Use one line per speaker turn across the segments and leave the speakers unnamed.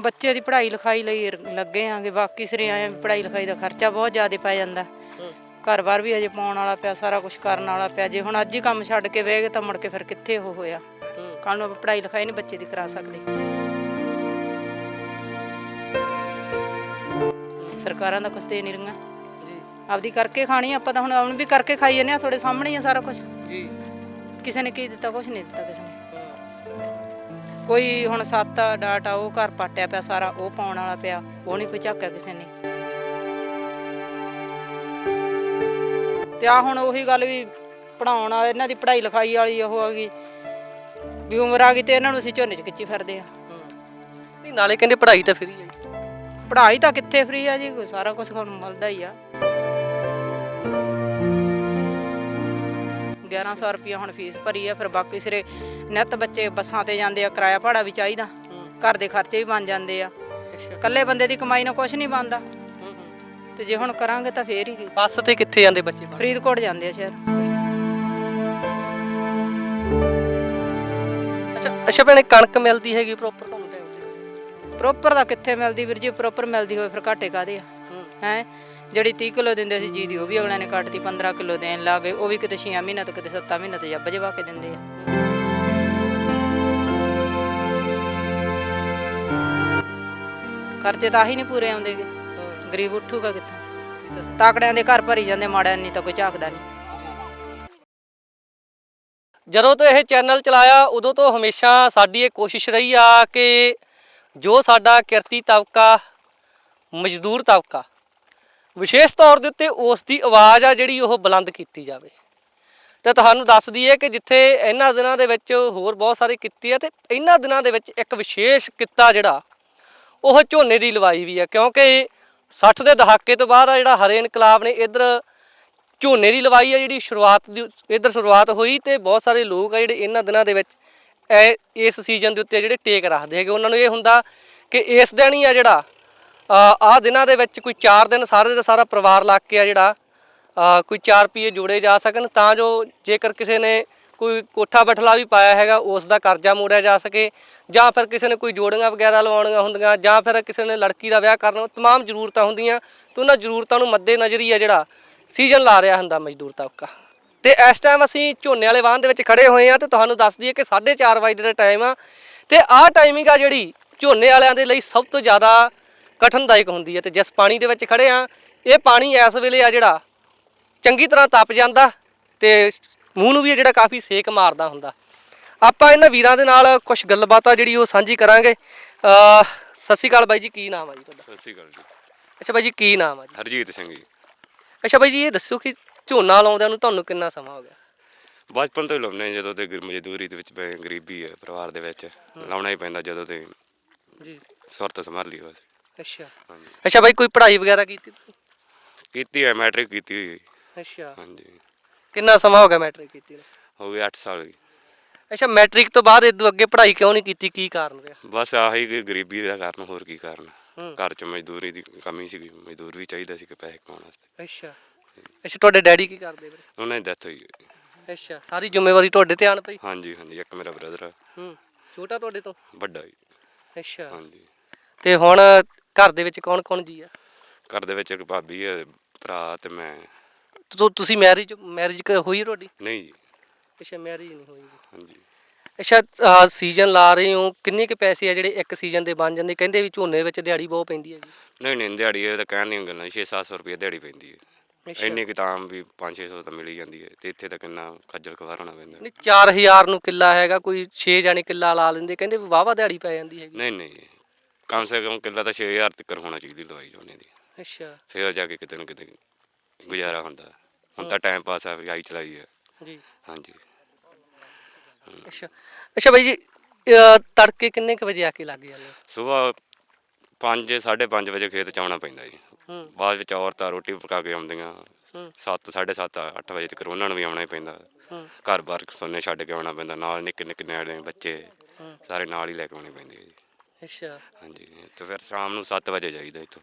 ਬੱਚੇ ਦੀ ਪੜ੍ਹਾਈ ਲਿਖਾਈ ਲਈ ਲੱਗੇ ਆਂਗੇ। ਬਾਕੀ ਸਿਰੇ ਆਏ ਪੜ੍ਹਾਈ ਲਿਖਾਈ ਦਾ ਖਰਚਾ ਬਹੁਤ ਜ਼ਿਆਦਾ ਪੈ ਜਾਂਦਾ। ਘਰ-ਬਾਰ ਵੀ ਹਜੇ ਪਾਉਣ ਵਾਲਾ ਪਿਆ, ਸਾਰਾ ਕੁਝ ਕਰਨ ਵਾਲਾ ਪਿਆ। ਜੇ ਹੁਣ ਅੱਜ ਹੀ ਕੰਮ ਛੱਡ ਕੇ ਬਹਿ ਗਏ ਤਾਂ ਮੁੜ ਕੇ ਫਿਰ ਕਿੱਥੇ ਉਹ ਹੋਇਆ। ਕੱਲ੍ਹ ਨੂੰ ਪੜ੍ਹਾਈ ਲਿਖਾਈ ਨਹੀਂ ਬੱਚੇ ਦੀ ਕਰਾ ਸਕਦੇ। ਸਰਕਾਰਾਂ ਦਾ ਕੁਛ ਦੇ ਨਹੀਂ ਰਹੀਆਂ ਜੀ, ਆਪਦੀ ਕਰਕੇ ਖਾਣੀ ਆਪਾਂ ਤਾਂ ਹੁਣ ਵੀ ਕਰਕੇ ਖਾਈ ਜਾਂਦੇ ਆ। ਤੁਹਾਡੇ ਸਾਹਮਣੇ ਹੀ ਆ ਸਾਰਾ ਕੁਝ ਜੀ। ਕਿਸੇ ਨੇ ਕੀ ਦਿੱਤਾ? ਕੁਛ ਨਹੀਂ ਦਿੱਤਾ ਕਿਸੇ ਨੇ। ਕੋਈ ਹੁਣ ਸੱਤ ਡਾਟ ਆ ਉਹ ਘਰ ਪਾਟਿਆ ਪਿਆ ਸਾਰਾ, ਉਹ ਪਾਉਣ ਵਾਲਾ ਪਿਆ, ਉਹ ਨਹੀਂ ਕੋਈ ਝਾਕਿਆ ਕਿਸੇ ਨੇ। ਤੇ ਆ ਹੁਣ ਉਹੀ ਗੱਲ ਵੀ ਪੜ੍ਹਾਉਣ ਵਾਲੇ ਇਹਨਾਂ ਦੀ ਪੜ੍ਹਾਈ ਲਿਖਾਈ ਵਾਲੀ ਉਹ ਆ ਗਈ ਵੀ ਉਮਰ ਆ ਗਈ ਤੇ ਇਹਨਾਂ ਨੂੰ ਅਸੀਂ ਝੋਨੇ 'ਚ ਖਿੱਚੀ ਫਿਰਦੇ ਆ।
ਨਹੀਂ ਨਾਲੇ ਕਹਿੰਦੇ ਪੜ੍ਹਾਈ ਤਾਂ ਫਰੀ ਹੈ।
ਪੜ੍ਹਾਈ ਤਾਂ ਕਿੱਥੇ ਫਰੀ ਆ ਜੀ, ਸਾਰਾ ਕੁਛ ਤੁਹਾਨੂੰ ਮਿਲਦਾ ਹੀ ਆ। 1100 ਰੁਪਇਆ ਹੁਣ ਫੀਸ ਭਰੀ ਆ। ਫਿਰ ਬਾਕੀ ਸਿਰੇ ਨਿੱਤ ਬੱਚੇ ਬੱਸਾਂ ਤੇ ਜਾਂਦੇ ਆ, ਕਿਰਾਇਆ ਭਾੜਾ ਵੀ ਚਾਹੀਦਾ, ਘਰ ਦੇ ਖਰਚੇ ਵੀ ਬਣ ਜਾਂਦੇ ਆ। ਇਕੱਲੇ ਬੰਦੇ ਦੀ ਕਮਾਈ ਨਾਲ ਕੁਛ ਨਹੀਂ ਬਣਦਾ। ਤੇ ਜੇ ਹੁਣ ਕਰਾਂਗੇ ਤਾਂ ਫੇਰ ਹੀ।
ਬੱਸ ਤੇ ਕਿੱਥੇ ਜਾਂਦੇ ਬੱਚੇ?
ਫਰੀਦਕੋਟ ਜਾਂਦੇ ਆ ਸ਼ਹਿਰ।
ਅੱਛਾ ਭੈਣੇ, ਕਣਕ ਮਿਲਦੀ ਹੈਗੀ ਪ੍ਰੋਪਰ ਤੁਹਾਨੂੰ ਟਾਈਮ ਤੇ?
ਪ੍ਰੋਪਰ ਤਾਂ ਕਿੱਥੇ ਮਿਲਦੀ ਵੀਰ ਜੀ, ਪ੍ਰੋਪਰ ਮਿਲਦੀ ਹੋਵੇ ਫਿਰ ਘਾਟੇ ਕਾਹਦੇ ਆ ਹੈ। ਜਿਹੜੀ 30 ਕਿਲੋ ਦਿੰਦੇ ਸੀ ਜੀ ਦੀ ਉਹ ਵੀ ਅਗਲਿਆਂ ਨੇ ਕੱਟਤੀ, 15 ਕਿਲੋ ਦੇਣ ਲੱਗ ਗਏ। ਉਹ ਵੀ ਕਿਤੇ 6 ਮਹੀਨਿਆਂ ਤੋਂ ਕਿਤੇ 7 ਮਹੀਨਿਆਂ ਤੋਂ ਜੱਬ ਜਵਾ ਕੇ ਦਿੰਦੇ ਆ। ਖਰਚੇ ਤਾਂ ਆਹੀ ਨਹੀਂ ਪੂਰੇ ਆਉਂਦੇ ਗੇ। ਗਰੀਬ ਉੱਠੂਗਾ ਕਿੱਥੋਂ? ਤਾਕੜਿਆਂ ਦੇ ਘਰ ਭਰੀ ਜਾਂਦੇ, ਮਾੜਿਆਂ ਨਹੀਂ ਤਾਂ ਕੋਈ ਝਾਕਦਾ ਨਹੀਂ।
ਜਦੋਂ ਤੋਂ ਇਹ ਚੈਨਲ ਚਲਾਇਆ ਉਦੋਂ ਤੋਂ ਹਮੇਸ਼ਾ ਸਾਡੀ ਇਹ ਕੋਸ਼ਿਸ਼ ਰਹੀ ਆ ਕਿ ਜੋ ਸਾਡਾ ਕਿਰਤੀ ਤਬਕਾ, ਮਜ਼ਦੂਰ ਤਬਕਾ, ਵਿਸ਼ੇਸ਼ ਤੌਰ ਦੇ ਉੱਤੇ ਉਸ ਦੀ ਆਵਾਜ਼ ਆ ਜਿਹੜੀ ਉਹ ਬੁਲੰਦ ਕੀਤੀ ਜਾਵੇ। ਅਤੇ ਤੁਹਾਨੂੰ ਦੱਸ ਦਈਏ ਕਿ ਜਿੱਥੇ ਇਹਨਾਂ ਦਿਨਾਂ ਦੇ ਵਿੱਚ ਹੋਰ ਬਹੁਤ ਸਾਰੇ ਕਿੱਤੇ ਆ, ਅਤੇ ਇਹਨਾਂ ਦਿਨਾਂ ਦੇ ਵਿੱਚ ਇੱਕ ਵਿਸ਼ੇਸ਼ ਕਿੱਤਾ ਜਿਹੜਾ ਉਹ ਝੋਨੇ ਦੀ ਲਵਾਈ ਵੀ ਆ। ਕਿਉਂਕਿ 60 ਦੇ ਦਹਾਕੇ ਤੋਂ ਬਾਅਦ ਆ ਜਿਹੜਾ ਹਰੇ ਇਨਕਲਾਬ ਨੇ ਇੱਧਰ ਝੋਨੇ ਦੀ ਲਵਾਈ ਆ ਜਿਹੜੀ ਸ਼ੁਰੂਆਤ ਹੋਈ। ਅਤੇ ਬਹੁਤ ਸਾਰੇ ਲੋਕ ਆ ਜਿਹੜੇ ਇਹਨਾਂ ਦਿਨਾਂ ਦੇ ਵਿੱਚ ਇਸ ਸੀਜ਼ਨ ਦੇ ਉੱਤੇ ਜਿਹੜੇ ਟੇਕ ਰੱਖਦੇ ਹੈਗੇ। ਉਹਨਾਂ ਨੂੰ ਇਹ ਹੁੰਦਾ ਕਿ ਇਸ ਦਿਨ ਹੀ ਆ ਜਿਹੜਾ ਆਹ ਦਿਨਾਂ ਦੇ ਵਿੱਚ ਕੋਈ 4 ਦਿਨ ਸਾਰੇ ਦਾ ਸਾਰਾ ਪਰਿਵਾਰ ਲੱਗ ਕੇ ਆ ਜਿਹੜਾ ਕੋਈ 4 ਰੁਪਈਏ ਜੋੜੇ ਜਾ ਸਕਣ, ਤਾਂ ਜੋ ਜੇਕਰ ਕਿਸੇ ਨੇ ਕੋਈ ਕੋਠਾ ਬਠਲਾ ਵੀ ਪਾਇਆ ਹੈਗਾ ਉਸ ਦਾ ਕਰਜ਼ਾ ਮੋੜਿਆ ਜਾ ਸਕੇ, ਜਾਂ ਫਿਰ ਕਿਸੇ ਨੇ ਕੋਈ ਜੋੜੀਆਂ ਵਗੈਰਾ ਲਵਾਉਣੀਆਂ ਹੁੰਦੀਆਂ, ਜਾਂ ਫਿਰ ਕਿਸੇ ਨੇ ਲੜਕੀ ਦਾ ਵਿਆਹ ਕਰਨਾ, ਤਮਾਮ ਜ਼ਰੂਰਤਾਂ ਹੁੰਦੀਆਂ। ਅਤੇ ਉਹਨਾਂ ਜ਼ਰੂਰਤਾਂ ਨੂੰ ਮੱਦੇ ਨਜ਼ਰ ਹੀ ਆ ਜਿਹੜਾ ਸੀਜ਼ਨ ਲਾ ਰਿਹਾ ਹੁੰਦਾ ਮਜ਼ਦੂਰ ਤਬਕਾ। ਅਤੇ ਇਸ ਟਾਈਮ ਅਸੀਂ ਝੋਨੇ ਵਾਲੇ ਵਾਹਨ ਦੇ ਵਿੱਚ ਖੜ੍ਹੇ ਹੋਏ ਹਾਂ ਅਤੇ ਤੁਹਾਨੂੰ ਦੱਸ ਦਈਏ ਕਿ 4:30 ਵਜੇ ਦਾ ਟਾਈਮ ਆ। ਅਤੇ ਆਹ ਟਾਈਮਿੰਗ ਆ ਜਿਹੜੀ ਝੋਨੇ ਵਾਲਿਆਂ ਦੇ ਲਈ ਸਭ ਤੋਂ ਜ਼ਿਆਦਾ ਕਠਿਨਦਾਇਕ ਹੁੰਦੀ ਹੈ। ਅਤੇ ਜਿਸ ਪਾਣੀ ਦੇ ਵਿੱਚ ਖੜ੍ਹੇ ਹਾਂ, ਇਹ ਪਾਣੀ ਇਸ ਵੇਲੇ ਆ ਜਿਹੜਾ ਚੰਗੀ ਤਰ੍ਹਾਂ ਤਪ ਜਾਂਦਾ ਅਤੇ ਮੂੰਹ ਨੂੰ ਵੀ ਜਿਹੜਾ ਕਾਫੀ ਸੇਕ ਮਾਰਦਾ ਹੁੰਦਾ। ਆਪਾਂ ਇਹਨਾਂ ਵੀਰਾਂ ਦੇ ਨਾਲ ਕੁਛ ਗੱਲਬਾਤ ਆ ਜਿਹੜੀ ਉਹ ਸਾਂਝੀ ਕਰਾਂਗੇ। ਸਤਿ ਸ਼੍ਰੀ ਅਕਾਲ ਬਾਈ ਜੀ, ਕੀ ਨਾਮ ਆ ਜੀ ਤੁਹਾਡਾ?
ਸਤਿ ਸ਼੍ਰੀ ਅਕਾਲ ਜੀ।
ਅੱਛਾ ਬਾਈ ਜੀ, ਕੀ ਨਾਮ ਆ ਜੀ?
ਹਰਜੀਤ ਸਿੰਘ ਜੀ।
ਅੱਛਾ ਬਾਈ ਜੀ, ਇਹ ਦੱਸੋ ਕਿ ਝੋਨਾ ਲਾਉਂਦਿਆਂ ਨੂੰ ਤੁਹਾਨੂੰ ਕਿੰਨਾ ਸਮਾਂ ਹੋ ਗਿਆ?
ਬਚਪਨ ਤੋਂ ਹੀ ਲਾਉਂਦੇ ਜਦੋਂ ਤੇ ਮਜ਼ਦੂਰੀ ਦੇ ਵਿੱਚ ਗਰੀਬੀ ਹੈ ਪਰਿਵਾਰ ਦੇ ਵਿੱਚ, ਲਾਉਣਾ ਹੀ ਪੈਂਦਾ ਜਦੋਂ ਤੇ
ਜੀ
ਸੁਰਤ ਸੰਭਾਲੀ ਬਸ।
ਅੱਛਾ
ਹਾਂਜੀ।
ਅੱਛਾ ਬਾਈ, ਕੋਈ ਪੜ੍ਹਾਈ ਵਗੈਰਾ ਕੀਤੀ ਤੁਸੀਂ?
ਕੀਤੀ ਹੈ, ਮੈਟ੍ਰਿਕ ਕੀਤੀ ਹੋਈ।
ਅੱਛਾ,
ਹਾਂਜੀ।
ਕਿੰਨਾ ਸਮਾਂ ਹੋ ਗਿਆ ਮੈਟ੍ਰਿਕ ਕੀਤੀ ਨੂੰ?
ਹੋ ਗਏ 8 ਸਾਲ ਜੀ।
ਅੱਛਾ, ਮੈਟ੍ਰਿਕ ਤੋਂ ਬਾਅਦ ਇਦੋਂ ਅੱਗੇ ਪੜ੍ਹਾਈ ਕਿਉਂ ਨਹੀਂ ਕੀਤੀ? ਕੀ ਕਾਰਨ ਰਿਹਾ?
ਬਸ ਆਹੀ ਕਿ ਗਰੀਬੀ ਦਾ ਕਾਰਨ, ਹੋਰ ਕੀ ਕਾਰਨ। ਘਰ 'ਚ ਮਜ਼ਦੂਰੀ ਦੀ ਕਮੀ ਸੀਗੀ, ਮਜ਼ਦੂਰ ਵੀ ਚਾਹੀਦਾ ਸੀ ਕਿ ਪੈਸੇ ਕਮਾਉਣ ਵਾਸਤੇ।
ਅੱਛਾ ਅੱਛਾ, ਤੁਹਾਡੇ ਡੈਡੀ ਕੀ ਕਰਦੇ ਵੀਰੇ?
ਉਹਨਾਂ ਦੀ ਡੈਥ ਹੋਈ।
ਅੱਛਾ, ਸਾਰੀ ਜ਼ਿੰਮੇਵਾਰੀ ਤੁਹਾਡੇ ਤੇ ਆਣ ਪਈ?
ਹਾਂਜੀ ਹਾਂਜੀ, ਇੱਕ ਮੇਰਾ ਬ੍ਰਦਰ ਆ।
ਛੋਟਾ ਤੁਹਾਡੇ ਤੋਂ?
ਵੱਡਾ ਜੀ।
ਅੱਛਾ,
ਹਾਂਜੀ।
ਤੇ ਹੁਣ ਘਰ ਦੇ ਵਿੱਚ ਕੌਣ ਕੌਣ ਜੀ ਆ?
ਘਰ ਦੇ ਵਿੱਚ ਇੱਕ ਭਾਬੀ ਹੈ, ਭਰਾ ਤੇ ਮੈਂ।
ਤੁਸੀਂ ਮੈਰਿਜ ਹੋਈ ਤੁਹਾਡੀ?
ਨਹੀਂ ਜੀ।
ਅੱਛਾ, ਮੈਰਿਜ ਨਹੀਂ ਹੋਈ।
ਹਾਂਜੀ।
ਅੱਛਾ, ਸੀਜ਼ਨ ਲਾ ਰਹੇ ਹੋ, ਕਿੰਨੇ ਕੁ ਪੈਸੇ ਆ ਜਿਹੜੇ ਇੱਕ ਸੀਜ਼ਨ ਦੇ ਬਣ ਜਾਂਦੇ? ਕਹਿੰਦੇ ਵੀ ਝੋਨੇ ਵਿੱਚ ਦਿਹਾੜੀ ਬਹੁਤ ਪੈਂਦੀ ਹੈ ਜੀ।
ਨਹੀਂ ਦਿਹਾੜੀ ਇਹ ਤਾਂ ਕਹਿਣ ਦੀਆਂ ਗੱਲਾਂ, 600-700 ਰੁਪਏ ਦਿਹਾੜੀ ਪੈਂਦੀ ਹੈ। ਇੰਨੀ ਕੁ ਤਾਂ ਵੀ 500-600 ਤਾਂ ਮਿਲ ਹੀ ਜਾਂਦੀ ਹੈ, ਤੇ ਇੱਥੇ ਤਾਂ ਕਿੰਨਾ ਖੱਜਲ ਖਵਾਰ ਹੋਣਾ ਪੈਂਦਾ।
ਨਹੀਂ, 4000 ਨੂੰ ਕਿੱਲਾ ਹੈਗਾ, ਕੋਈ 6 ਜਾਣੇ ਕਿੱਲਾ ਲਾ ਲੈਂਦੇ, ਕਹਿੰਦੇ ਵੀ ਵਾਹਵਾ ਦਿਹਾੜੀ ਪੈ ਜਾਂਦੀ ਹੈਗੀ।
ਨਹੀਂ, ਕਮ ਸੇ ਕਮ ਕਿੱਲਾ ਤਾਂ 6000 ਤੱਕ ਹੋਣਾ ਚਾਹੀਦੀ ਲਵਾਈ ਝੋਨੇ ਦੀ।
ਅੱਛਾ,
ਫਿਰ ਜਾ ਕੇ ਕਿਤੇ ਨਾ ਕਿਤੇ ਗੁਜ਼ਾਰਾ ਹੁੰਦਾ। ਹੁਣ ਤਾਂ ਟਾਈਮ ਪਾਸ ਆ, ਆਈ ਚਲਾਈ ਹੈ
ਜੀ।
ਹਾਂਜੀ।
ਅੱਛਾ ਅੱਛਾ ਬਾਈ ਜੀ, ਤੜਕੇ ਕਿੰਨੇ ਕੁ ਵਜੇ ਆ ਕੇ ਲੱਗ ਜਾਂਦੇ?
ਸੁਬਾਹ 5-5:30 ਵਜੇ ਖੇਤ 'ਚ ਆਉਣਾ ਪੈਂਦਾ ਜੀ। ਬਾਅਦ ਵਿੱਚ ਔਰਤਾਂ ਰੋਟੀ ਪਕਾ ਕੇ ਆਉਂਦੀਆਂ 7-7:30-8 ਵਜੇ ਤੱਕ, ਉਹਨਾਂ ਨੂੰ ਵੀ ਆਉਣਾ ਹੀ ਪੈਂਦਾ। ਘਰ ਬਾਰ ਸੋਨੇ ਛੱਡ ਕੇ ਆਉਣਾ ਪੈਂਦਾ, ਨਾਲ ਨਿੱਕੇ ਨਿਆਣੇ ਬੱਚੇ ਸਾਰੇ ਨਾਲ ਹੀ ਲੈ ਕੇ ਆਉਣੇ ਪੈਂਦੇ ਜੀ। ਅੱਛਾ, ਹਾਂਜੀ। ਤੇ ਫਿਰ ਸ਼ਾਮ ਨੂੰ 7 ਵਜੇ ਜਾਈਦਾ ਇੱਥੋਂ।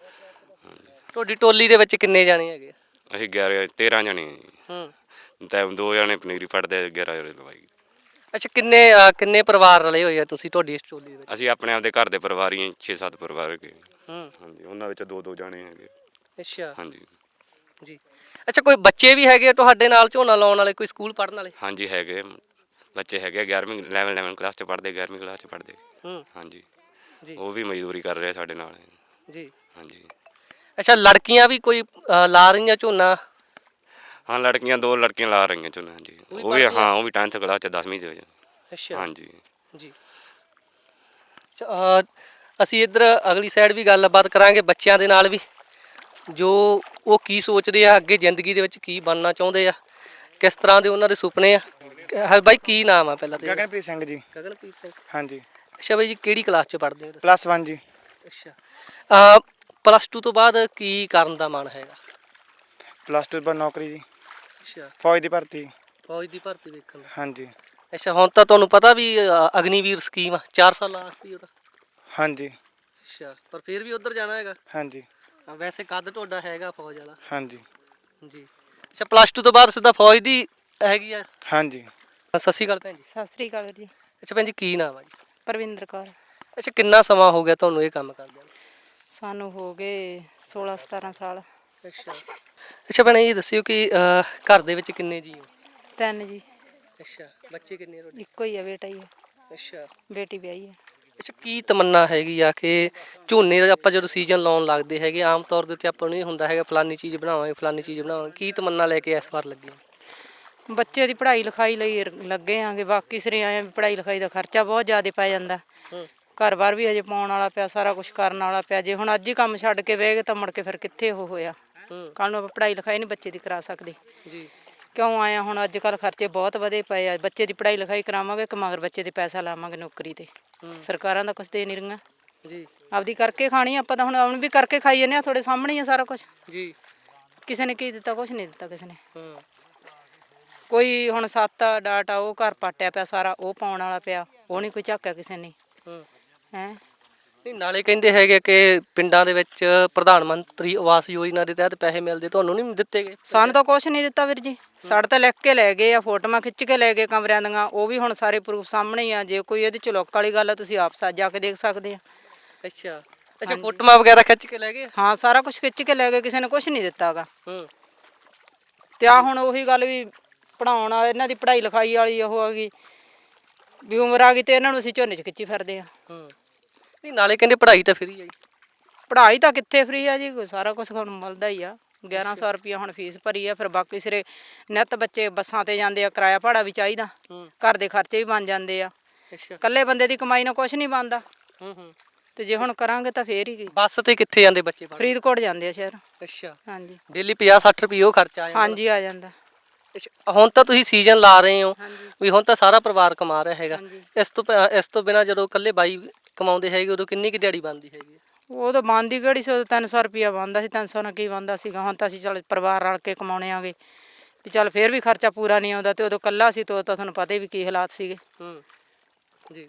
ਤੁਹਾਡੀ ਟੋਲੀ ਦੇ ਵਿੱਚ ਕਿੰਨੇ ਜਾਣੇ ਹੈਗੇ?
ਅਸੀਂ 13 ਜਣੇ ਜੀ। ਤਾਂ 2 ਜਣੇ ਪਨੀਰੀ ਫੜਦੇ, 11 ਜਣੇ ਲਵਾਈ।
ਅੱਛਾ ਕਿੰਨੇ ਪਰਿਵਾਰ ਰਲੇ ਹੋਏ ਆ ਤੁਸੀਂ ਤੁਹਾਡੀ ਇਸ ਟੋਲੀ ਦੇ ਵਿੱਚ?
ਅਸੀਂ ਆਪਣੇ ਆਪਦੇ ਘਰ ਦੇ ਪਰਿਵਾਰ ਹੀ 6-7 ਪਰਿਵਾਰ ਹੈਗੇ।
ਹੂੰ।
ਹਾਂਜੀ, ਉਹਨਾਂ ਵਿੱਚ ਦੋ ਜਾਣੇ ਹੈਗੇ।
ਅੱਛਾ
ਹਾਂਜੀ
ਜੀ। ਅੱਛਾ ਕੋਈ ਬੱਚੇ ਵੀ ਹੈਗੇ ਆ ਤੁਹਾਡੇ ਨਾਲ ਝੋਨਾ ਲਾਉਣ ਵਾਲੇ, ਕੋਈ ਸਕੂਲ ਪੜ੍ਹਨ ਵਾਲੇ?
ਹਾਂਜੀ ਹੈਗੇ ਬੱਚੇ ਹੈਗੇ 11ਵੀਂ 11 ਕਲਾਸ 'ਚ ਪੜ੍ਹਦੇ, 11ਵੀਂ ਕਲਾਸ 'ਚ ਪੜ੍ਹਦੇ।
ਹੂੰ
ਹਾਂਜੀ,
ਜੀ
ਉਹ ਵੀ ਮਜ਼ਦੂਰੀ ਕਰ ਰਹੇ ਸਾਡੇ ਨਾਲ।
ਜੀ।
ਹਾਂਜੀ
ਅੱਛਾ ਲੜਕੀਆਂ ਵੀ ਕੋਈ ਲਾ ਰਹੀਆਂ ਝੋਨਾ?
ਹਾਂ, ਦੋ ਲੜਕੀਆਂ ਲਾ ਰਹੀਆਂ ਝੋਨਾ। ਹਾਂਜੀ,
ਉਹ ਵੀ
ਉਹ ਵੀ
ਪੜ੍ਹਦੀਆਂ?
ਹਾਂ, ਉਹ ਵੀ 10th ਕਲਾਸ 'ਚ 10ਵੀਂ ਦੇ ਵਿੱਚ।
ਅੱਛਾ
ਹਾਂਜੀ
ਜੀ। ਅਸੀਂ ਇੱਧਰ ਅਗਲੀ ਸਾਈਡ ਵੀ ਗੱਲਬਾਤ ਕਰਾਂਗੇ ਬੱਚਿਆਂ ਦੇ ਨਾਲ ਵੀ, ਜੋ ਉਹ ਕੀ ਸੋਚਦੇ ਆ ਅੱਗੇ ਜ਼ਿੰਦਗੀ ਦੇ ਵਿੱਚ, ਕੀ ਬਣਨਾ ਚਾਹੁੰਦੇ ਆ, ਕਿਸ ਤਰ੍ਹਾਂ ਦੇ ਉਹਨਾਂ ਦੇ ਸੁਪਨੇ ਆ। ਹਾਂ ਬਾਈ, ਕੀ ਨਾਮ ਆ ਪਹਿਲਾਂ ਤੇ?
ਗਗਨਪ੍ਰੀਤ ਸਿੰਘ ਜੀ।
ਗਗਨਪ੍ਰੀਤ ਸਿੰਘ।
ਹਾਂਜੀ,
ਅੱਛਾ ਬਾਈ ਜੀ, ਕਿਹੜੀ ਕਲਾਸ 'ਚ ਪੜ੍ਹਦੇ ਹੋ ਤੁਸੀਂ?
+1 ਜੀ।
ਅੱਛਾ +2 ਤੋਂ ਬਾਅਦ ਕੀ ਕਰਨ ਦਾ ਮਨ ਹੈਗਾ?
+2 ਬਾਅਦ ਨੌਕਰੀ ਜੀ,
ਅੱਛਾ
ਫੌਜ ਦੀ ਭਰਤੀ।
ਫੌਜ ਦੀ ਭਰਤੀ ਵੇਖਣ ਦਾ।
ਹਾਂਜੀ
ਅੱਛਾ ਹੁਣ ਤਾਂ ਤੁਹਾਨੂੰ ਪਤਾ ਵੀ ਅਗਨੀਵੀਰ ਸਕੀਮ ਆ 4 ਸਾਲਾਂ ਵਾਸਤੇ ਉਹ ਤਾਂ?
ਹਾਂਜੀ
ਅੱਛਾ, ਪਰ ਫਿਰ ਵੀ ਉੱਧਰ ਜਾਣਾ ਹੈਗਾ?
ਹਾਂਜੀ
ਵੈਸੇ ਕੱਦ ਤੁਹਾਡਾ ਹੈਗਾ ਫੌਜ ਵਾਲਾ?
ਹਾਂਜੀ
ਜੀ। ਅੱਛਾ +2 ਤੋਂ ਬਾਅਦ ਸਿੱਧਾ ਫੌਜ ਦੀ ਹੈਗੀ ਆ?
ਹਾਂਜੀ।
ਸਤਿ ਸ਼੍ਰੀ ਅਕਾਲ ਭੈਣ ਜੀ।
ਸਤਿ ਸ੍ਰੀ ਅਕਾਲ ਜੀ।
ਅੱਛਾ ਭੈਣ ਜੀ, ਕੀ ਨਾਮ ਆ ਜੀ?
ਪਰਵਿੰਦਰ ਕੌਰ।
ਅੱਛਾ ਕਿੰਨਾ ਸਮਾਂ ਹੋ ਗਿਆ ਤੁਹਾਨੂੰ ਇਹ ਕੰਮ ਕਰਦਿਆਂ ਨੂੰ?
ਸਾਨੂੰ ਹੋ ਗਏ 16-17 ਸਾਲ।
ਅੱਛਾ ਅੱਛਾ ਭੈਣੇ, ਇਹ ਦੱਸਿਓ ਕਿ ਘਰ ਦੇ ਵਿੱਚ ਕਿੰਨੇ ਜੀ ਹੋ?
3 ਜੀ।
ਅੱਛਾ, ਬੱਚੇ ਕਿੰਨੇ ਤੁਹਾਡੇ?
ਇੱਕੋ ਹੀ ਆ, ਬੇਟਾ ਹੀ ਆ,
ਅੱਛਾ
ਬੇਟੀ ਵਿਆਹੀ ਆ।
ਅੱਛਾ, ਕੀ ਤਮੰਨਾ ਹੈਗੀ ਆ ਕਿ ਝੋਨੇ ਦਾ ਆਪਾਂ ਜਦੋਂ ਸੀਜ਼ਨ ਲਾਉਣ ਲੱਗਦੇ ਹੈਗੇ, ਆਮ ਤੌਰ ਦੇ ਉੱਤੇ ਆਪਾਂ ਨੂੰ ਇਹ ਹੁੰਦਾ ਹੈਗਾ ਫਲਾਨੀ ਚੀਜ਼ ਬਣਾਵਾਂਗੇ, ਫਲਾਨੀ ਚੀਜ਼ ਬਣਾਵਾਂਗੇ, ਕੀ ਤਮੰਨਾ ਲੈ ਕੇ ਇਸ ਵਾਰ ਲੱਗੇ?
ਬੱਚੇ ਦੀ ਪੜ੍ਹਾਈ ਲਿਖਾਈ ਲਈ ਲੱਗੇ ਆਂਗੇ, ਬਾਕੀ ਸਿਰੇ ਆਏ ਵੀ ਪੜ੍ਹਾਈ ਲਿਖਾਈ ਦਾ ਖਰਚਾ ਬਹੁਤ ਜ਼ਿਆਦਾ ਪੈ ਜਾਂਦਾ।
ਹੂੰ
ਘਰ-ਬਾਰ ਵੀ ਹਜੇ ਪਾਉਣ ਵਾਲਾ ਪਿਆ, ਸਾਰਾ ਕੁਝ ਕਰਨ ਵਾਲਾ ਪਿਆ। ਜੇ ਹੁਣ ਅੱਜ ਹੀ ਕੰਮ ਛੱਡ ਕੇ ਬਹਿ ਗਏ ਤਾਂ ਮੁੜ ਕੇ ਫਿਰ ਕਿੱਥੇ ਉਹ ਹੋਇਆ।
ਹੂੰ
ਕੱਲ੍ਹ ਨੂੰ ਆਪਾਂ ਪੜ੍ਹਾਈ ਲਿਖਾਈ ਨਹੀਂ ਬੱਚੇ ਦੀ ਕਰਾ ਸਕਦੇ।
ਜੀ
ਕਿਉਂ ਆਇਆ ਹੁਣ ਅੱਜ ਕੱਲ੍ਹ ਖਰਚੇ ਬਹੁਤ ਵਧੇ ਪਏ ਆ। ਬੱਚੇ ਦੀ ਪੜ੍ਹਾਈ ਲਿਖਾਈ ਕਰਾਵਾਂਗੇ ਕਿ ਮਗਰ ਬੱਚੇ ਦੇ ਪੈਸਾ ਲਾਵਾਂਗੇ ਨੌਕਰੀ ਤੇ। ਸਰਕਾਰਾਂ ਦਾ ਕੁਛ ਦੇ ਨਹੀਂ ਰਹੀਆਂ।
ਜੀ
ਆਪਦੀ ਕਰਕੇ ਖਾਣੀ ਆਪਾਂ ਤਾਂ ਹੁਣ ਵੀ ਕਰਕੇ ਖਾਈ ਜਾਂਦੇ ਆ। ਤੁਹਾਡੇ ਸਾਹਮਣੇ ਹੀ ਆ ਸਾਰਾ ਕੁਝ।
ਜੀ
ਕਿਸੇ ਨੇ ਕੀ ਦਿੱਤਾ? ਕੁਛ ਨਹੀਂ ਦਿੱਤਾ ਕਿਸੇ ਨੇ।
ਹੂੰ
ਕੋਈ ਹੁਣ ਸੱਤ ਡਾਟਾ ਉਹ ਘਰ ਪਾਟਿਆ ਪਿਆ ਸਾਰਾ, ਉਹ ਪਾਉਣ ਵਾਲਾ ਪਿਆ, ਉਹ ਨਹੀਂ ਕੋਈ ਝਾਕਿਆ ਕਿਸੇ ਨੇ।
ਹੂੰ
ਹੈਂ
ਨਹੀਂ, ਨਾਲੇ ਕਹਿੰਦੇ ਹੈਗੇ ਕਿ ਪਿੰਡਾਂ ਦੇ ਵਿੱਚ ਪ੍ਰਧਾਨ ਮੰਤਰੀ ਆਵਾਸ ਯੋਜਨਾ ਦੇ ਤਹਿਤ ਪੈਸੇ ਮਿਲਦੇ, ਤੁਹਾਨੂੰ ਨਹੀਂ ਦਿੱਤੇ ਗਏ?
ਸਾਨੂੰ ਤਾਂ ਕੁਛ ਨਹੀਂ ਦਿੱਤਾ ਵੀਰ ਜੀ। ਸਾਡੇ ਤਾਂ ਲਿਖ ਕੇ ਲੈ ਗਏ ਆ, ਫੋਟੋਆਂ ਖਿੱਚ ਕੇ ਲੈ ਗਏ ਕਮਰਿਆਂ ਦੀਆਂ। ਉਹ ਵੀ ਹੁਣ ਸਾਰੇ ਪ੍ਰੂਫ ਸਾਹਮਣੇ ਹੀ ਆ। ਜੇ ਕੋਈ ਇਹਦੇ ਚ ਲੁੱਕ ਵਾਲੀ ਗੱਲ ਆ, ਤੁਸੀਂ ਆਪ ਜਾ ਕੇ ਦੇਖ ਸਕਦੇ ਆ।
ਅੱਛਾ ਅੱਛਾ, ਫੋਟੋਆਂ ਵਗੈਰਾ ਖਿੱਚ ਕੇ ਲੈ ਗਏ?
ਹਾਂ, ਸਾਰਾ ਕੁਝ ਖਿੱਚ ਕੇ ਲੈ ਗਏ, ਕਿਸੇ ਨੇ ਕੁਛ ਨਹੀਂ ਦਿੱਤਾ ਗਾ।
ਹੂੰ
ਤੇ ਆ ਹੁਣ ਉਹੀ ਗੱਲ ਵੀ ਪੜ੍ਹਾਉਣ ਵਾਲੇ, ਇਹਨਾਂ ਦੀ ਪੜ੍ਹਾਈ ਲਿਖਾਈ ਵਾਲੀ ਉਹ ਆ ਗਈ ਵੀ ਉਮਰ ਆ ਗਈ ਤੇ ਇਹਨਾਂ ਨੂੰ ਅਸੀਂ ਝੋਨੇ 'ਚ ਖਿੱਚੀ ਫਿਰਦੇ ਆ।
ਹੂੰ ਨਹੀਂ, ਨਾਲੇ ਕਹਿੰਦੇ ਪੜ੍ਹਾਈ ਤਾਂ ਫਰੀ ਆ ਜੀ।
ਪੜ੍ਹਾਈ ਤਾਂ ਕਿੱਥੇ ਫਰੀ ਆ ਜੀ, ਸਾਰਾ ਕੁਝ ਹੁਣ ਮਿਲਦਾ ਹੀ ਆ। 1100 ਰੁਪਇਆ ਹੁਣ ਫੀਸ ਭਰੀ ਆ। ਫਿਰ ਬਾਕੀ ਸਿਰੇ ਨਿੱਤ ਬੱਚੇ ਬੱਸਾਂ ਤੇ ਜਾਂਦੇ ਆ, ਕਿਰਾਇਆ ਭਾੜਾ ਵੀ ਚਾਹੀਦਾ, ਘਰ ਦੇ ਖਰਚੇ ਵੀ ਬਣ ਜਾਂਦੇ ਆ।
ਅੱਛਾ
ਇਕੱਲੇ ਬੰਦੇ ਦੀ ਕਮਾਈ ਨਾਲ ਕੁਛ ਨਹੀਂ ਬਣਦਾ।
ਹੂੰ
ਤੇ ਜੇ ਹੁਣ ਕਰਾਂਗੇ ਤਾਂ ਫੇਰ ਹੀ।
ਬੱਸ ਤੇ ਕਿੱਥੇ ਜਾਂਦੇ ਬੱਚੇ ਪੜ੍ਹਨ?
ਫਰੀਦਕੋਟ ਜਾਂਦੇ ਆ ਸ਼ਹਿਰ।
ਅੱਛਾ,
ਹਾਂਜੀ
ਡੇਲੀ 50-60 ਰੁਪਏ ਉਹ ਖਰਚਾ ਆ ਜਾਂਦਾ?
ਹਾਂਜੀ ਆ ਜਾਂਦਾ।
ਅੱਛਾ, ਹੁਣ ਤਾਂ ਤੁਸੀਂ ਸੀਜ਼ਨ ਲਾ ਰਹੇ ਹੋ
ਹਾਂਜੀ
ਵੀ, ਹੁਣ ਤਾਂ ਸਾਰਾ ਪਰਿਵਾਰ ਕਮਾ ਰਿਹਾ ਹੈਗਾ।
ਹਾਂਜੀ।
ਇਸ ਤੋਂ ਬਿਨਾਂ ਜਦੋਂ ਇਕੱਲੇ ਬਾਈ ਕਮਾਉਂਦੇ ਹੈਗੇ, ਉਦੋਂ ਕਿੰਨੀ ਕੁ ਦਿਹਾੜੀ ਬਣਦੀ ਹੈਗੀ?
ਉਹ ਤਾਂ ਬਣਦੀ ਕਿਹੜੀ ਸੀ, ਉਦੋਂ 300 ਰੁਪਇਆ ਬਣਦਾ ਸੀ। 300 ਨਾਲ ਕੀ ਬਣਦਾ ਸੀਗਾ। ਹੁਣ ਤਾਂ ਅਸੀਂ ਚੱਲ ਪਰਿਵਾਰ ਰਲ ਕੇ ਕਮਾਉਣੇ ਆਗੇ ਵੀ ਚੱਲ ਫੇਰ ਵੀ ਖਰਚਾ ਪੂਰਾ ਨਹੀਂ ਆਉਂਦਾ। ਤੇ ਉਦੋਂ ਇਕੱਲਾ ਸੀ ਤੇ ਉਹ ਤਾਂ ਤੁਹਾਨੂੰ ਪਤਾ ਹੀ ਵੀ ਕੀ ਹਾਲਾਤ ਸੀਗੇ।
ਹੂੰ ਜੀ।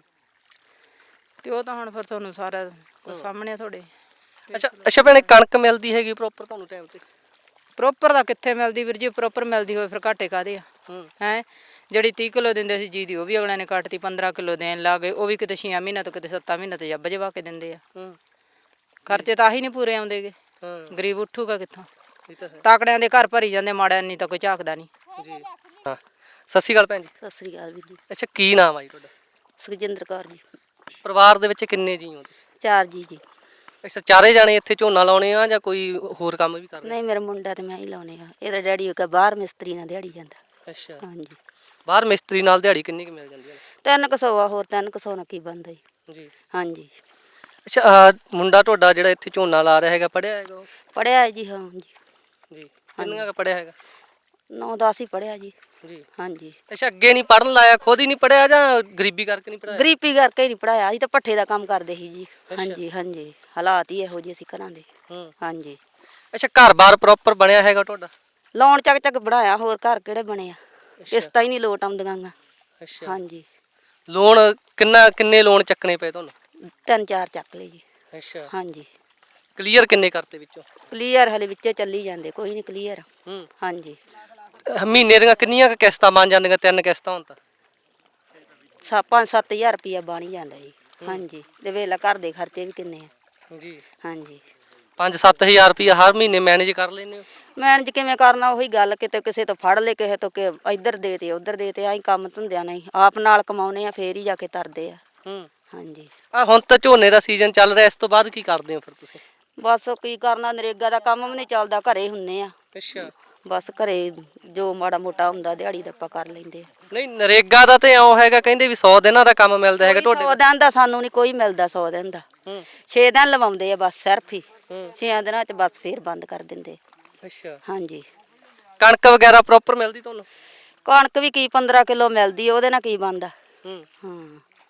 ਤੇ ਉਹ ਤਾਂ ਹੁਣ ਫਿਰ ਤੁਹਾਨੂੰ ਸਾਰਾ ਕੁਝ ਸਾਹਮਣੇ ਆ ਤੁਹਾਡੇ।
ਅੱਛਾ ਅੱਛਾ ਭੈਣੇ, ਕਣਕ ਮਿਲਦੀ ਹੈਗੀ ਪ੍ਰੋਪਰ ਤੁਹਾਨੂੰ ਟਾਈਮ ਤੇ?
ਪ੍ਰੋਪਰ ਤਾਂ ਕਿੱਥੇ ਮਿਲਦੀ ਵੀਰ ਜੀ। ਪ੍ਰੋਪਰ ਮਿਲਦੀ ਹੋਏ ਫਿਰ ਘਾਟੇ ਕਾਹਦੇ ਆ? ਹੈਂ ਜਿਹੜੀ 30 ਕਿਲੋ ਦਿੰਦੇ ਸੀ ਜੀ ਦੀ, ਉਹ ਵੀ ਅਗਲਿਆਂ ਨੇ ਕੱਟਤੀ। 15 ਕਿਲੋ ਦੇਣ ਲੱਗ ਗਏ, ਉਹ ਵੀ ਕਿਤੇ 6 ਮਹੀਨਿਆਂ ਤੋਂ ਕਿਤੇ 7 ਮਹੀਨਿਆਂ ਤੋਂ ਜੱਬ ਜਵਾ ਕੇ ਦਿੰਦੇ ਆ। ਖਰਚੇ ਤਾਂ ਆਹੀ ਨਹੀਂ ਪੂਰੇ ਆਉਂਦੇਗੇ। ਗਰੀਬ ਉੱਠੂਗਾ ਕਿੱਥੋਂ? ਤਾਕੜਿਆਂ ਦੇ ਘਰ ਭਰੀ ਜਾਂਦੇ, ਮਾੜਿਆਂ ਨਹੀਂ ਤਾਂ ਕੋਈ ਝਾਕਦਾ ਨਹੀਂ ਜੀ।
ਹਾਂ, ਸਤਿ ਸ਼੍ਰੀ ਅਕਾਲ ਭੈਣ ਜੀ।
ਸਤਿ ਸ੍ਰੀ ਅਕਾਲ ਵੀਰ ਜੀ।
ਅੱਛਾ, ਕੀ ਨਾਮ ਆ ਜੀ ਤੁਹਾਡਾ?
ਸੁਖਜਿੰਦਰ ਕੌਰ ਜੀ।
ਪਰਿਵਾਰ ਦੇ ਵਿੱਚ ਕਿੰਨੇ ਜੀ ਹੋ ਤੁਸੀਂ?
4 ਜੀ।
ਅੱਛਾ, ਚਾਰੇ ਜਾਣੇ ਇੱਥੇ ਝੋਨਾ ਲਾਉਣੇ ਆ ਜਾਂ ਕੋਈ ਹੋਰ ਕੰਮ ਵੀ ਕਰਦੇ?
ਨਹੀਂ, ਮੇਰਾ ਮੁੰਡਾ ਤੇ ਮੈਂ ਹੀ ਲਾਉਣੇ ਆ। ਇਹਦਾ ਡੈਡੀ ਬਾਹਰ ਮਿਸਤਰੀ ਨਾਲ ਦਿਹਾੜੀ ਜਾਂਦਾ।
ਅੱਛਾ,
ਹਾਂਜੀ।
ਬਾਹਰ ਮਿਸਤਰੀ ਨਾਲ ਦਿਹਾੜੀ ਕਿੰਨੀ ਕੁ ਮਿਲ ਜਾਂਦੀ ਹੈ?
300 ਆ, ਹੋਰ 300 ਨਾਲ ਕੀ ਬਣਦਾ ਜੀ।
ਜੀ।
ਹਾਂਜੀ।
ਅੱਛਾ, ਮੁੰਡਾ ਤੁਹਾਡਾ ਜਿਹੜਾ ਇੱਥੇ ਝੋਨਾ ਲਾ ਰਿਹਾ ਹੈਗਾ, ਪੜ੍ਹਿਆ ਹੈਗਾ ਉਹ?
ਪੜ੍ਹਿਆ ਹੈ ਜੀ। ਹਾਂ ਜੀ।
ਜੀ, ਕਿੰਨਾ ਕੁ ਪੜ੍ਹਿਆ ਹੈਗਾ?
9-10 ਹੀ ਪੜ੍ਹਿਆ ਜੀ।
ਜੀ।
ਹਾਂਜੀ।
ਅੱਛਾ, ਅੱਗੇ ਨਹੀਂ ਪੜ੍ਹਨ ਲਾਇਆ? ਖੁਦ ਹੀ ਨਹੀਂ ਪੜ੍ਹਿਆ ਜਾਂ ਗਰੀਬੀ ਕਰਕੇ ਨਹੀਂ ਪੜ੍ਹਾਇਆ?
ਗਰੀਬੀ ਕਰਕੇ ਹੀ ਨਹੀਂ ਪੜ੍ਹਾਇਆ। ਅਸੀਂ ਤਾਂ ਭੱਠੇ ਦਾ ਕੰਮ ਕਰਦੇ ਸੀ ਜੀ। ਹਾਂਜੀ ਹਾਂਜੀ, ਹਾਲਾਤ ਹੀ ਇਹੋ ਜਿਹੇ ਅਸੀਂ ਘਰਾਂ ਦੇ। ਹਾਂਜੀ।
ਅੱਛਾ, ਘਰ-ਬਾਰ ਪ੍ਰੋਪਰ ਬਣਿਆ ਹੈਗਾ ਤੁਹਾਡਾ?
ਲੋਨ ਚੱਕ ਬਣਾਇਆ, ਹੋਰ ਘਰ ਕਿਹੜੇ ਬਣੇ ਆ? ਕਿਸ਼ਤਾਂ ਹੀ ਨਹੀਂ ਲੋਟ ਆਉਂਦੀਆਂ ਗਾ।
ਅੱਛਾ।
ਹਾਂਜੀ।
ਲੋਨ ਕਿੰਨੇ ਲੋਨ ਚੱਕਣੇ ਪਏ ਤੁਹਾਨੂੰ?
3-4 ਚੱਕ ਲਏ ਜੀ।
ਅੱਛਾ।
ਹਾਂਜੀ।
ਕਲੀਅਰ ਕਿੰਨੇ ਕਰਤੇ ਵਿੱਚੋਂ?
ਕਲੀਅਰ ਹਲੇ ਵਿੱਚੇ ਚੱਲੀ ਜਾਂਦੇ, ਕੋਈ ਨਹੀਂ ਕਲੀਅਰ। ਹਾਂਜੀ।
ਮਹੀਨੇ ਦੀਆਂ ਕਿੰਨੀਆਂ ਕੁ ਕਿਸ਼ਤਾਂ ਬਣ ਜਾਂਦੀਆਂ? 3 ਕਿਸ਼ਤਾਂ ਹੋਣ ਤਾਂ
5-7000 ਰੁਪਇਆ ਬਣ ਹੀ ਜਾਂਦਾ ਜੀ। ਹਾਂਜੀ ਤੇ ਵੇਲਾ ਘਰ ਦੇ ਖਰਚੇ ਵੀ ਕਿੰਨੇ ਆ
ਜੀ।
ਹਾਂਜੀ
5-7000 ਰੁਪਇਆ ਹਰ ਮਹੀਨੇ ਮੈਨੇਜ ਕਰ ਲੈਂਦੇ ਹੋ?
ਮੈਨੇਜ ਕਿਵੇਂ ਕਰਨਾ, ਉਹੀ ਗੱਲ, ਕਿਤੇ ਕਿਸੇ ਤੋਂ ਫੜ ਲੈ, ਕਿਸੇ ਤੋਂ ਕਿ ਇੱਧਰ ਦੇ ਤੇ ਉੱਧਰ ਦੇ ਤੇ, ਆਈ ਕੰਮ ਧੰਦਿਆਂ ਨਹੀਂ ਆਪ ਨਾਲ ਕਮਾਉਨੇ ਆ, ਫੇਰ ਹੀ ਜਾ ਕੇ ਤਰਦੇ ਆ। ਹਾਂਜੀ
ਹੁਣ ਤਾਂ ਝੋਨੇ ਦਾ ਸੀਜ਼ਨ ਚੱਲ ਰਿਹਾ, ਇਸ ਤੋਂ ਬਾਅਦ ਕੀ ਕਰਦੇ ਹੋ ਫਿਰ ਤੁਸੀਂ?
ਬਸ ਕੀ ਕਰਨਾ, ਨਰੇਗਾ ਦਾ ਕੰਮ ਵੀ ਨਹੀਂ ਚੱਲਦਾ, ਘਰੇ ਹੁੰਨੇ ਆ।
ਅੱਛਾ।
ਬਸ ਘਰੇ ਜੋ ਮਾੜਾ ਮੋਟਾ ਹੁੰਦਾ ਦਿਹਾੜੀ ਦਾ ਆਪਾਂ ਕਰ ਲੈਂਦੇ ਆ।
ਨਹੀਂ, ਨਰੇਗਾ ਦਾ ਤੇ ਇਉਂ ਹੈਗਾ, ਕਹਿੰਦੇ ਵੀ 100 ਦਿਨਾਂ ਦਾ ਕੰਮ ਮਿਲਦਾ ਹੈਗਾ ਤੁਹਾਡੇ
100 ਦਿਨ ਦਾ ਸਾਨੂੰ ਨਹੀਂ ਕੋਈ ਮਿਲਦਾ, 100 ਦਿਨ ਦਾ 6 ਦਿਨ ਲਵਾਉਂਦੇ ਆ ਬਸ ਸਿਰਫ ਹੀ। 6 ਦਿਨਾਂ ਚ ਬਸ ਫੇਰ ਬੰਦ ਕਰ ਦਿੰਦੇ।
ਅੱਛਾ।
ਹਾਂਜੀ
ਕਣਕ ਵਗੈਰਾ ਪ੍ਰੋਪਰ ਮਿਲਦੀ ਤੁਹਾਨੂੰ?
ਕਣਕ ਵੀ ਕੀ 15 ਕਿਲੋ ਮਿਲਦੀ, ਉਹਦੇ ਨਾਲ ਕੀ ਬਣਦਾ।
ਹੂੰ।
ਹਾਂ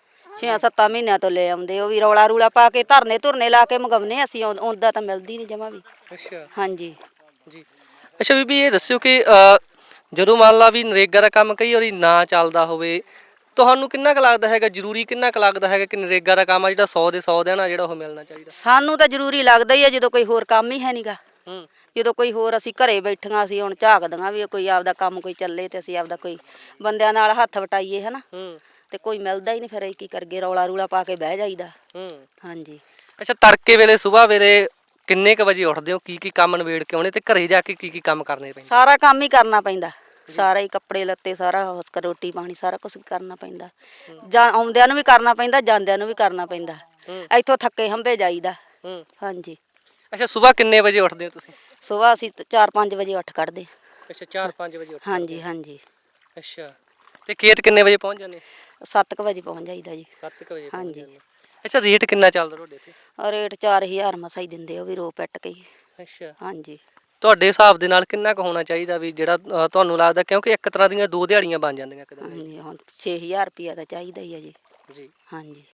6-7 ਮਹੀਨਿਆਂ ਤੋਂ ਲੈ ਆਉਂਦੇ, ਉਹ ਵੀ ਰੌਲਾ ਰੂਲਾ ਪਾ ਕੇ ਧਰਨੇ ਲਾ ਕੇ ਮੰਗਾਉਂਦੇ ਅਸੀਂ, ਉਹਦਾ ਤਾਂ ਮਿਲਦੀ ਨਹੀਂ ਜਮਾ ਵੀ।
ਅੱਛਾ
ਹਾਂਜੀ
ਜੀ। ਅੱਛਾ ਬੀਬੀ, ਇਹ ਦੱਸਿਓ ਕਿ ਜਦੋਂ ਮੰਨ ਲਾ ਵੀ ਨਰੇਗਾ ਦਾ ਕੰਮ ਕਈ ਵਾਰੀ ਨਾ ਚੱਲਦਾ ਹੋਵੇ, ਤੁਹਾਨੂੰ ਕਿੰਨਾ ਕੁ ਲੱਗਦਾ ਹੈਗਾ, ਜ਼ਰੂਰੀ ਕਿੰਨਾ ਕੁ ਲੱਗਦਾ ਹੈਗਾ ਕਿ ਨਰੇਗਾ ਦਾ ਕੰਮ ਆ ਜਿਹੜਾ 100 ਦੇ 100 ਦਿਨ ਆ ਜਿਹੜਾ ਉਹ ਮਿਲਣਾ ਚਾਹੀਦਾ?
ਸਾਨੂੰ ਤਾਂ ਜ਼ਰੂਰੀ ਲੱਗਦਾ ਹੀ ਆ, ਜਦੋਂ ਕੋਈ ਹੋਰ ਕੰਮ ਹੀ ਹੈ ਨਹੀਂਗਾ।
ਹੂੰ।
ਜਦੋਂ ਕੋਈ ਹੋਰ, ਅਸੀਂ ਘਰੇ ਬੈਠੀਆਂ, ਅਸੀਂ ਹੁਣ ਝਾਕਦੀਆਂ ਵੀ ਕੋਈ ਆਪਦਾ ਕੰਮ ਕੋਈ ਚੱਲੇ ਤੇ ਅਸੀਂ ਆਪਦਾ ਕੋਈ ਬੰਦਿਆਂ ਨਾਲ ਹੱਥ ਵਟਾਈਏ ਹਨਾ,
ਹੂੰ।
ਤੇ ਕੋਈ ਮਿਲਦਾ ਹੀ ਨਹੀਂ, ਫਿਰ ਅਸੀਂ ਕੀ ਕਰਗੇ, ਰੌਲਾ ਰੂਲਾ ਪਾ ਕੇ ਬਹਿ ਜਾਈਦਾ।
ਹੂੰ।
ਹਾਂਜੀ
ਅੱਛਾ, ਤੜਕੇ ਵੇਲੇ ਸੁਬਾਹ ਵੇਲੇ ਕਿੰਨੇ ਕੁ ਵਜੇ ਉੱਠਦੇ ਹੋ? ਕੀ ਕੰਮ ਨਿਬੇੜ ਕੇ ਆਉਣੇ ਤੇ ਘਰੇ ਜਾ ਕੇ ਕੀ ਕੰਮ ਕਰਨੇ ਪੈਂਦੇ?
ਸਾਰਾ ਕੰਮ ਹੀ ਕਰਨਾ ਪੈਂਦਾ, ਸਾਰਾ ਹੀ ਕੱਪੜੇ ਲੱਤੇ, ਸਾਰਾ ਰੋਟੀ ਪਾਣੀ ਸਾਰਾ ਕੁਝ ਕਰਨਾ ਪੈਂਦਾ। ਜਾਂ ਆਉਂਦਿਆਂ ਨੂੰ ਵੀ ਕਰਨਾ ਪੈਂਦਾ, ਜਾਂਦਿਆਂ ਨੂੰ ਵੀ ਕਰਨਾ ਪੈਂਦਾ। ਇੱਥੋਂ ਥੱਕੇ ਹੰਬੇ ਜਾਈਦਾ। ਹਾਂਜੀ।
ਅੱਛਾ, ਸੁਬਾਹ ਕਿੰਨੇ ਵਜੇ ਉੱਠਦੇ ਹੋ ਤੁਸੀਂ?
ਸੁਬਾਹ ਅਸੀਂ 4-5 ਵਜੇ ਉੱਠ ਖੜਦੇ।
ਅੱਛਾ, 4-5 ਵਜੇ ਉੱਠਦੇ?
ਹਾਂਜੀ ਹਾਂਜੀ।
ਅੱਛਾ, ਤੇ ਖੇਤ ਕਿੰਨੇ ਵਜੇ ਪਹੁੰਚ ਜਾਂਦੇ?
7 ਵਜੇ ਪਹੁੰਚ ਜਾਈਦਾ ਜੀ।
7 ਵਜੇ?
ਹਾਂਜੀ।
ਅੱਛਾ, ਰੇਟ ਕਿੰਨਾ ਚੱਲਦਾ ਤੁਹਾਡੇ ਇੱਥੇ?
ਰੇਟ 4000 ਮਸਾ ਹੀ ਦਿੰਦੇ, ਉਹ ਵੀ ਰੋ ਪਿੱਟ ਕੇ ਹੀ।
ਅੱਛਾ।
ਹਾਂਜੀ
ਤੁਹਾਡੇ ਹਿਸਾਬ ਦੇ ਨਾਲ ਕਿੰਨਾ ਕੁ ਹੋਣਾ ਚਾਹੀਦਾ ਵੀ ਜਿਹੜਾ ਤੁਹਾਨੂੰ ਲੱਗਦਾ, ਕਿਉਂਕਿ ਇੱਕ ਤਰ੍ਹਾਂ ਦੀਆਂ 2 ਦਿਹਾੜੀਆਂ ਬਣ ਜਾਂਦੀਆਂ ਇੱਕ ਦਿਨ ਦੀਆਂ?
ਹਾਂਜੀ ਹੁਣ 6000 ਰੁਪਇਆ ਤਾਂ ਚਾਹੀਦਾ ਹੀ ਆ ਜੀ।
ਜੀ।
ਹਾਂਜੀ।